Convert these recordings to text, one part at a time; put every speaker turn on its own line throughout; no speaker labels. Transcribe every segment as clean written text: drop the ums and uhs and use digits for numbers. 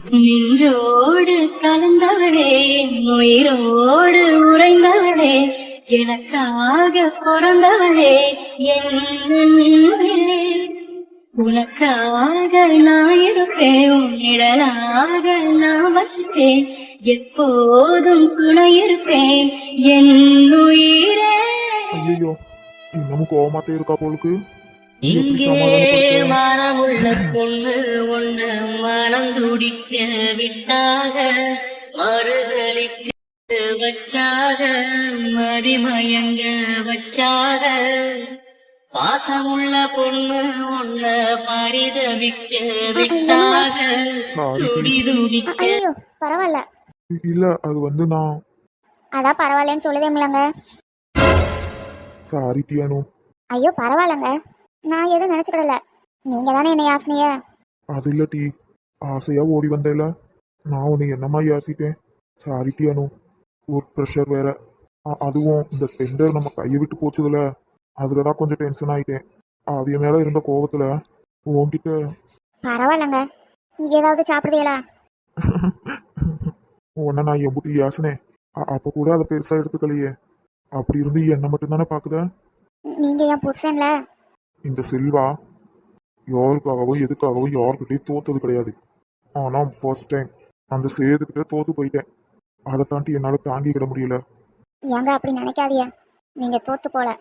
நின்றோடு கலந்தவளே, உயிரோடு உறைந்தவளே, எனக்காக பிறந்தவளே என் அன்பே. உனக்காக நான் இருப்பேன், உன் நிழலாக நான் வசிப்பேன், எப்போதும் துணை இருப்பேன் என் உயிரே.
ஐயோ இன்னமும் கோவமாத்தே இருக்கா போலுக்கு.
இங்கே மனமுள்ள பொண்ணு ஒண்ணு மனம் துடிக்க விட்டாக, மறுதளிக்க வச்சாக, மதிமயங்க வச்சாக, பாசமுள்ள பொண்ணு ஒண்ண பரிதவிக்க விட்டாக, துடி துடிக்க.
ஐயோ பரவாயில்ல.
இல்ல அது வந்து நான்
அதான் பரவாயில்லன்னு சொல்லுதேங்களங்க.
சாரி டியானு.
ஐயோ பரவாயில்லங்க, நான் எதுவும் நினைச்சுக்கிடல. நீங்க தானே என்னை யாசினிய.
அது இல்ல டி, ஆசையா ஓடி வந்தேல, நான் உன்னை என்னமா யாசிட்டேன். சாரி டியானு. ஒர்க் ப்ரெஷர் வேற, அதுவும் இந்த டெண்டர் நம்ம கையை விட்டு போச்சுதுல, அதுலதான் கொஞ்சம் டென்ஷன் ஆயிட்டேன். அவிய மேல இருந்த கோவத்துல உன்கிட்ட.
பரவாயில்லங்க, ஏதாவது சாப்பிடுதீங்களா?
உன்ன நான் எம்புட்டி யாசினேன், அப்ப கூட அதை பெருசா எடுத்துக்கலையே. அப்படி இருந்து என்ன மட்டும் தானே பாக்குத.
நீங்க என் புருஷன்ல.
இந்த செல்வா யாருக்காகவும் எதுக்காகவும் யாருக்கிட்டையும் தோத்தது கிடையாது. ஆனா ஃபர்ஸ்ட் டைம் அந்த சேதுக்கிட்ட தோத்து போயிட்டேன். அதை தாண்டி என்னால தாங்கிக்கிட முடியல.
ஏங்க அப்படி நினைக்காதீங்க, நீங்க தோத்து போல.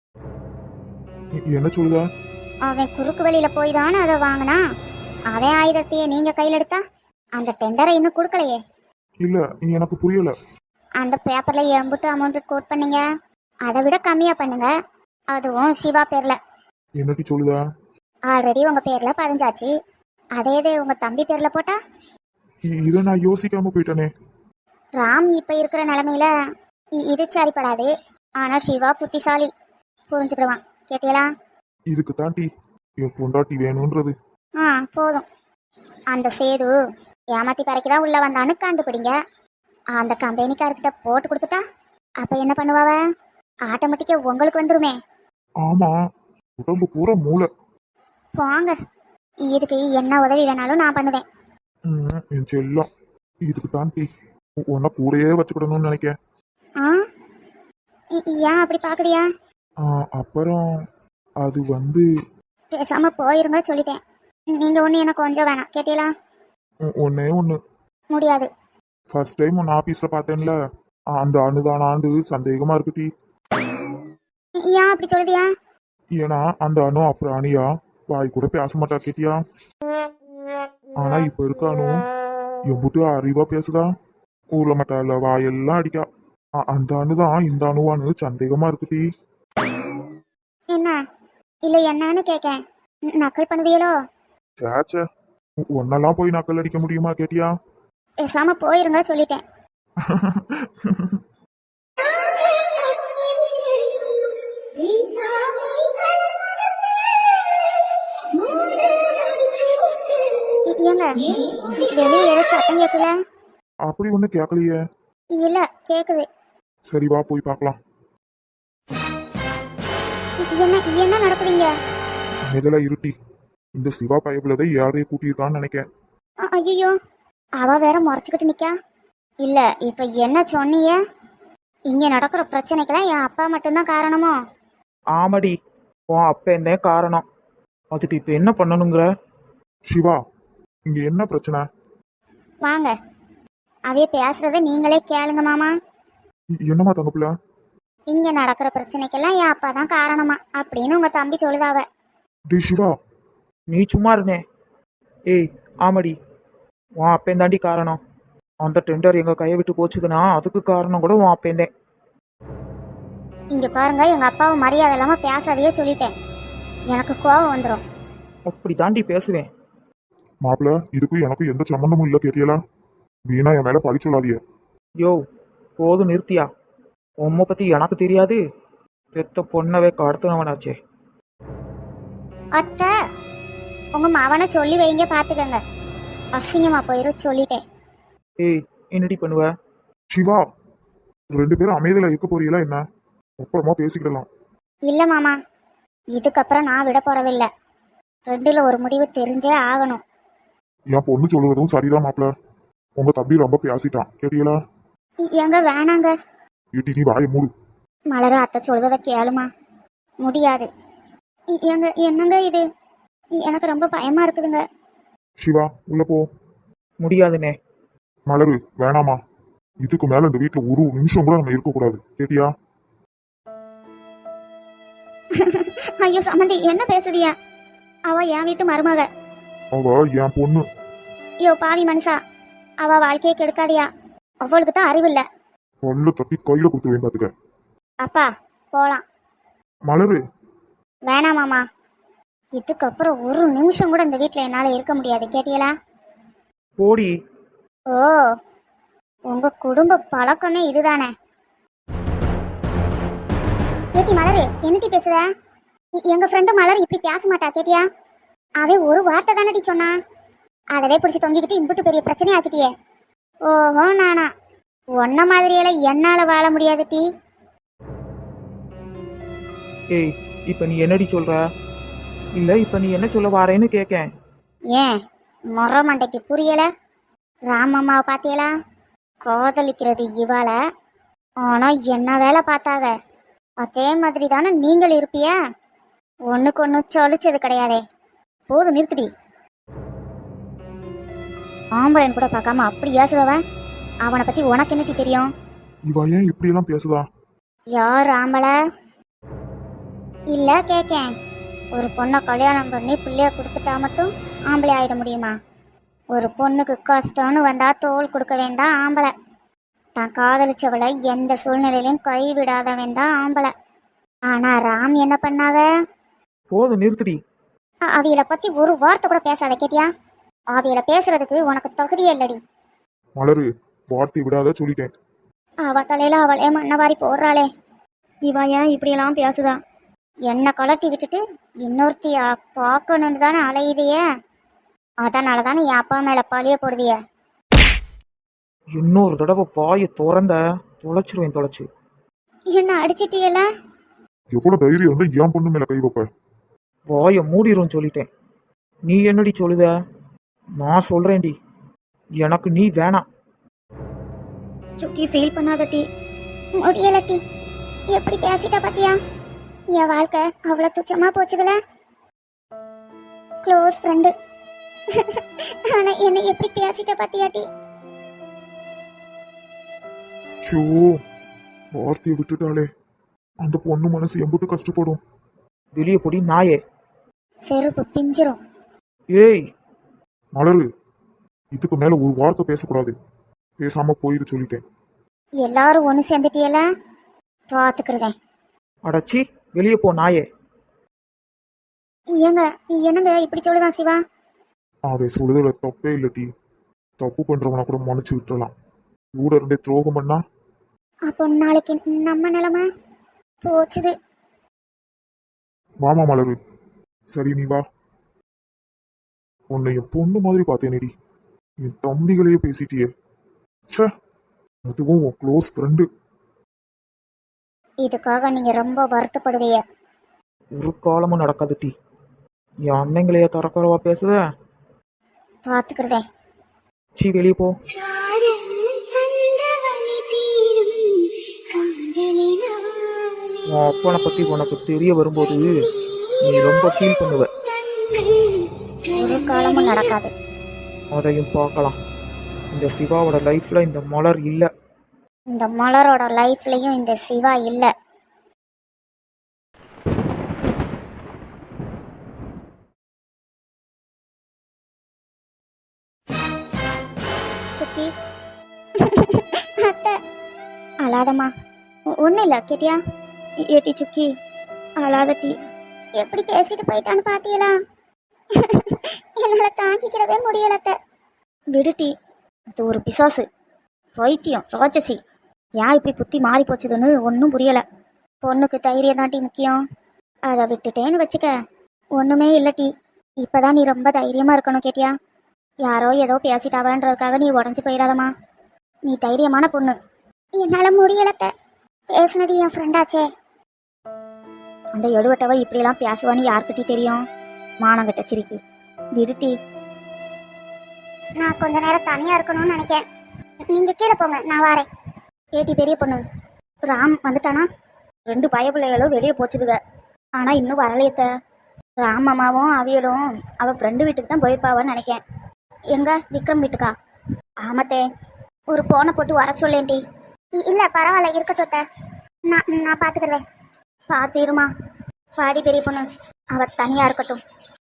என்ன சொல்லுதா?
அவன் குறுக்கு வழியில போய் தானே அதை வாங்கினா. அவன் ஆயுதத்தையே நீங்க கையில எடுத்தா அந்த டெண்டரை இன்னும் கொடுக்கலையே.
இல்ல எனக்கு புரியல.
அந்த பேப்பர்ல எம்புட்டு அமௌண்ட் கோட் பண்ணீங்க, அதை விட கம்மியா பண்ணுங்க, அதுவும் சிவா பேர்ல.
என்னட்டி சொல்லுதா?
ஆல்ரெடி உங்க பேர்ல பதிஞ்சாச்சு, அதே இது உங்க தம்பி பேர்ல போட்டா.
இதை நான் யோசிக்காம போயிட்டேனே.
ராம் இப்ப இருக்கிற நிலைமையில இது சரிப்படாது. ஆனா சிவா புத்திசாலி, புரிஞ்சுக்கிடுவான். கேட்டீங்களா?
இதுக்கு தாண்டி என் பொண்டாட்டி வேணும்ன்றது.
போதும். அந்த சேது ஏமாத்தி பறைக்குதான் உள்ள வந்தான்னு கண்டுபிடிங்க. அந்த கம்பெனிக்காரர்கிட்ட போட்டு கொடுத்துட்டா அப்ப என்ன பண்ணுவாவ? ஆட்டோமேட்டிக்கா உங்களுக்கு வந்துருமே.
ஆமா, உடம்பு பூரா மூளை.
போங்க, இதுக்கு என்ன உதவி வேணாலும் நான் பண்ணுவேன்.
என் செல்லம், இதுக்கு தாண்டி உன்னை கூடயே வச்சுக்கிடணும்னு நினைக்க.
ஏன் அப்படி பாக்குறியா?
அப்புறம் அது வந்து
பேசாம போயிருங்க சொல்லிட்டேன். நீங்க ஒண்ணு எனக்கு கொஞ்சம் வேணாம். கேட்டீங்களா?
ஒன்னே ஒண்ணு.
முடியாது.
ஃபர்ஸ்ட் டைம் உன் ஆபீஸ்ல பார்த்தேன்ல, அந்த அணுதான ஆண்டு சந்தேகமா இருக்குட்டி.
ஏன் அப்படி சொல்லுதியா?
ஏன்னா அந்த அணு அப்புறம் அணியா வாய் கூட பேச மாட்டா. கேட்டியா? ஆனா இப்ப இருக்க அணு எம்புட்டு அறிவா பேசுதா. ஊர்ல மாட்டால வாயெல்லாம் அடிக்கா. அந்த அணுதான் இந்த அணுவானு சந்தேகமா இருக்குட்டி.
என்ன இல்ல என்னன்னு கேக்க நக்கல் பண்ணுதியலோ?
சேச்ச, ஒன்னெல்லாம் போய் நக்கல் அடிக்க முடியுமா? கேட்டியா?
பேசாம போயிருங்க சொல்லிட்டேன். வெளியே ஏதோ சத்தம் கேக்குல?
அப்படி ஒண்ணு கேட்கலையே.
இல்ல கேக்குது.
சரி வா போய் பார்க்கலாம்.
என்ன என்ன நடக்குதுங்க?
இதெல்லாம் இருட்டி. இந்த சிவா பயபுலதை யாரையும் கூட்டியிருக்கான்னு நினைக்கேன்.
ஐயோ, அவ வேற முறைச்சுக்கிட்டு நிக்கா. இல்ல இப்ப என்ன சொன்னீங்க? இங்க நடக்கிற பிரச்சனைக்கெல்லாம் என் அப்பா மட்டும்தான் காரணமோ?
ஆமாடி, உன் அப்பன் தான் காரணம். அதுக்கு இப்ப என்ன பண்ணணுங்கிற?
சிவா, இங்க என்ன பிரச்சனை?
வாங்க, அவைய பேசுறத நீங்களே கேளுங்க மாமா.
என்னமா தங்கப்புல?
இங்க நடக்கிற பிரச்சனைக்கெல்லாம் என் அப்பா தான் காரணமா அப்படின்னு உங்க தம்பி சொல்லுதாவ.
டி சிவா,
நீ சும்மா இருந்தே. ஏய் ஆமாடி, உன் அப்பன் தாண்டி காரணம். அந்த டெண்டர் எங்க கையை விட்டு போச்சுதுன்னா அதுக்கு காரணம் கூட உன் அப்பன் தான்.
இங்க பாருங்க, எங்க அப்பாவை மரியாதை இல்லாம பேசாதையே சொல்லிட்டேன். எனக்கு கோபம் வந்துடும்.
அப்படி தாண்டி பேசுவேன்.
மாப்பிள்ள, இதுக்கும் எனக்கும் எந்த சம்பந்தமும் இல்ல. கேட்டியலா? வீணா என் மேல பழி சொல்லாதிய.
யோ போதும் நிறுத்தியா? உம்மை பத்தி எனக்கு தெரியாது. பெத்த பொண்ணவே கடத்தினவனாச்சே.
அத்தை, உங்க மவனை சொல்லி வைங்க, பாத்துக்கங்க. அசிங்கமா போயிரு சொல்லிட்டேன்.
ஏய் என்னடி பண்ணுவ?
சிவா, ரெண்டு பேரும் அமைதியில இருக்க போறீங்களா என்ன? அப்புறமா பேசிக்கிடலாம்.
இல்ல மாமா, இதுக்கப்புறம் நான் விட போறதில்ல. ரெண்டுல ஒரு முடிவு தெரிஞ்சே ஆகணும்.
என் பொண்ணு சொல்லுவதும் சரிதான் மாப்பிள்ள. உங்க தம்பி ரொம்ப பேசிட்டான் கேட்டீங்களா?
எங்க வேணாங்க.
ஏட்டி நீ வாயை மூடு.
மலரு அத்தை சொல்றத கேளுமா. முடியாது. எங்க என்னங்க இது? எனக்கு ரொம்ப பயமா இருக்குதுங்க.
சிவா உள்ள போ.
முடியாதுண்ணே.
மலரு வேணாமா, இதுக்கு மேல இந்த வீட்டுல ஒரு நிமிஷம் கூட நம்ம இருக்கக்கூடாது கேட்டியா?
ஐயோ சம்மந்தி என்ன பேசுதியா? அவ என் வீட்டு மருமக.
அவ என் பொண்ணு.
ஐயோ பாவி மனுஷா, அவ வாழ்க்கையை கெடுக்காதியா. அவளுக்கு தான் அறிவு இல்ல.
பல்ல தட்டி கையில கொடுத்துருவேன் பாத்துக்க.
அப்பா போலாம்.
மலரு
வேணாமாமா, இதுக்கப்புறம் ஒரு நிமிஷம் கூட இந்த வீட்டுல என்னால இருக்க முடியாது கேட்டியலா?
போடி.
ஓ, உங்க குடும்ப பழக்கமே இதுதானே? கேட்டி மலரு என்னட்டி பேசுத? எங்க ஃப்ரெண்டு மலர் இப்படி பேச மாட்டா கேட்டியா? அவன் ஒரு வார்த்தை தானடி சொன்னா, அதவே பிடிச்சி தொங்கிக்கிட்டு இம்புட்டு பெரிய பிரச்சனை ஆக்கிட்டியே. ஓஹோ நானா? ஒன்ன மாதிரியெல்லாம் என்னால வாழ முடியாது டி.
ஏய் இப்ப நீ என்னடி சொல்ற? இல்ல இப்ப நீ என்ன சொல்ல வாரேன்னு கேக்கேன்.
ஏன் மொர மண்டைக்கு புரியல? ராமம்மாவை பாத்தியலா? காதலிக்கிறது இவாள, ஆனா என்ன வேலை பார்த்தாங்க. அதே மாதிரி தானே நீங்கள் இருப்பிய. ஒண்ணுக்கு ஒண்ணு சொலிச்சது கிடையாதே. போது நிறுத்துடி. ஆம்பளைன்னு கூட பார்க்காம அப்படி ஏசுவவன், அவனை பத்தி உனக்கு என்னட்டி தெரியும்?
இவ ஏன் இப்படி எல்லாம் பேசுதா?
யார் ஆம்பளை? இல்ல கேக்கேன், ஒரு பொண்ணை கல்யாணம் பண்ணி பிள்ளைய கொடுத்துட்டா மட்டும் ஆம்பளை ஆயிட முடியுமா? ஒரு பொண்ணுக்கு கஷ்டம்னு வந்தா தோல் கொடுக்க வேண்டாம் ஆம்பளை. தான் காதலிச்சவளை எந்த சூழ்நிலையிலும் கைவிடாதவன் தான் ஆம்பளை. ஆனா ராம் என்ன பண்ணாவ?
போது நிறுத்துடி.
அவியலை பத்தி ஒரு வார்த்தை கூட பேசாத கேட்டியா? அவியலை பேசுறதுக்கு உனக்கு தகுதியே இல்லடி.
மலரு வார்த்தை விடாத சொல்லிட்டேன்.
அவ தலையில அவளே மண்ணவாரி போடுறாளே. இவ ஏன் இப்படியெல்லாம் பேசுதா? என்ன கலட்டி விட்டுட்டு இன்னொருத்திய பார்க்கணுன்னு தானே அலையுதையே. அதனால தானே என் அப்பா மேல பழிய போடுதிய.
இன்னொரு தடவை வாயை திறந்த தொலைச்சிருவேன் தொலைச்சு.
என்ன அடிச்சிட்டியல?
எவ்வளவு தைரியம் இருந்தா என் பொண்ணு மேல கை வைப்ப?
வாயை மூடிரும் சொல்லிட்டேன். நீ என்னடி சொல்லுத? நான் சொல்றேன்டி, எனக்கு நீ வேணாம்.
சுக்கி ஃபீல் பண்ணாத டி. முடியல டி. எப்படி பேசிட்ட பாத்தியா? என் வாழ்க்கை அவ்வளவு துச்சமா போச்சுதுல. க்ளோஸ் ஃப்ரெண்டு, ஆனா என்ன எப்படி பேசிட்ட பாத்தியா டி?
சோ வார்த்தையை விட்டுட்டாலே அந்த பொண்ணு மனசு எம்பிட்டு கஷ்டப்படும்.
வெளியே போடி நாயே.
செருப்பு பிஞ்சிரும்.
ஏய்
மலரு இதுக்கு மேல ஒரு வார்த்தை பேசக்கூடாது. பேசாம போயிரு சொல்லிட்டேன்.
எல்லாரும் ஒண்ணு சேர்ந்துட்டியல, பாத்துக்கிறதேன்.
அடச்சி வெளியே போ நாயே.
ஏங்க என்னங்க இப்படி சொல்லுதான் சிவா?
அதை சொல்லுதல தப்பே இல்லட்டி. தப்பு பண்றவனை கூட மன்னிச்சு விட்டுறலாம். கூட இருந்தே துரோகம் பண்ணா
அப்போ நாளைக்கு நம்ம நிலைமை போச்சுது.
வாமா மலரு. சரி நீ வா. உன்னை என் பொண்ணு மாதிரி பார்த்தேனேடி. என் தம்பிகளையே பேசிட்டியே. ச்சே, அதுவும் உன் க்ளோஸ் ஃப்ரெண்டு.
இதுக்காக நீங்க ரொம்ப வருத்தப்படுவீங்க.
ஒரு காலமும் நடக்காது டி. என் அன்னைங்களையே தரக்குறவா பேசுத.
பாத்துக்கிறதேன்.
சி வெளியே போ. உன் அப்பனை பத்தி உனக்கு தெரிய வரும்போது நீ ரொம்ப ஃபீல் பண்ணுவ.
ஒரு காலமும் நடக்காது.
அதையும் பார்க்கலாம். இந்த சிவாவோட லைஃப்ல இந்த மலர் இல்ல.
இந்த மலரோட லைஃப்லயும் இந்த சிவா இல்ல. சுக்கி அத்தை அழாதம்மா. ஒன்றும் இல்லை கேட்டியா? ஏட்டி சுக்கி அழாத டி. எப்படி பேசிட்டு போயிட்டான்னு பாத்தீங்களா? என்னால தாங்கிக்கிடவே முடியலத்த. விடுட்டி, அது ஒரு பிசாசு, வைத்தியம், ராட்சசி. ஏன் இப்படி புத்தி மாறி போச்சுதுன்னு ஒன்றும் புரியல. பொண்ணுக்கு தைரியம் தாண்டி முக்கியம். அதை விட்டுட்டேன்னு வச்சுக்க ஒன்றுமே இல்லட்டி. இப்போதான் நீ ரொம்ப தைரியமா இருக்கணும் கேட்டியா? யாரோ ஏதோ பேசிட்டாவன்றதுக்காக நீ உடஞ்சி போயிடாதம்மா. நீ தைரியமான பொண்ணு. என்னால் முடியலத்த. பேசுனது என் ஃப்ரெண்டாச்சே. அந்த எடுவட்டவ இப்படியெல்லாம் பேசுவான்னு யாருக்கிட்டே தெரியும்? மானம் கட்ட சிரிக்கி. விடுட்டி. நான் கொஞ்ச நேரம் தனியா இருக்கணும்னு நினைக்கிறேன். நீங்க கீழே போங்க, நான் வரேன். ஏட்டி பெரிய பொண்ணு, ராம் வந்துட்டானா? 2 பயப்பிள்ளைகளும் வெளியே போச்சுதுக, ஆனா இன்னும் வரலையத்த. ராம் அம்மாவும் அவியலும் அவ ஃப்ரெண்டு வீட்டுக்கு தான் போயிருப்பாவன்னு நினைக்கேன். எங்க விக்ரம் வீட்டுக்கா? ஆமாத்தே, ஒரு போனை போட்டு வர சொல்லேன்டி. இல்ல பரவாயில்ல, இருக்கட்டும் அத்தை. நான் பாத்துக்கிறேன். பாத்திருமா பாடி பெரிய பொண்ணு, அவ தனியா இருக்கட்டும்.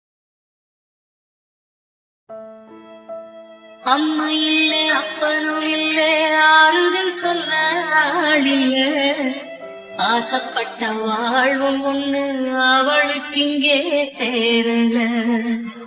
அம்மா இல்ல அப்பனும் இல்ல, ஆறுதல் சொல்ல ஆள் இல்ல. ஆசைப்பட்ட வாழ்வும் ஒண்ணு அவளுக்கு இங்கே சேரல.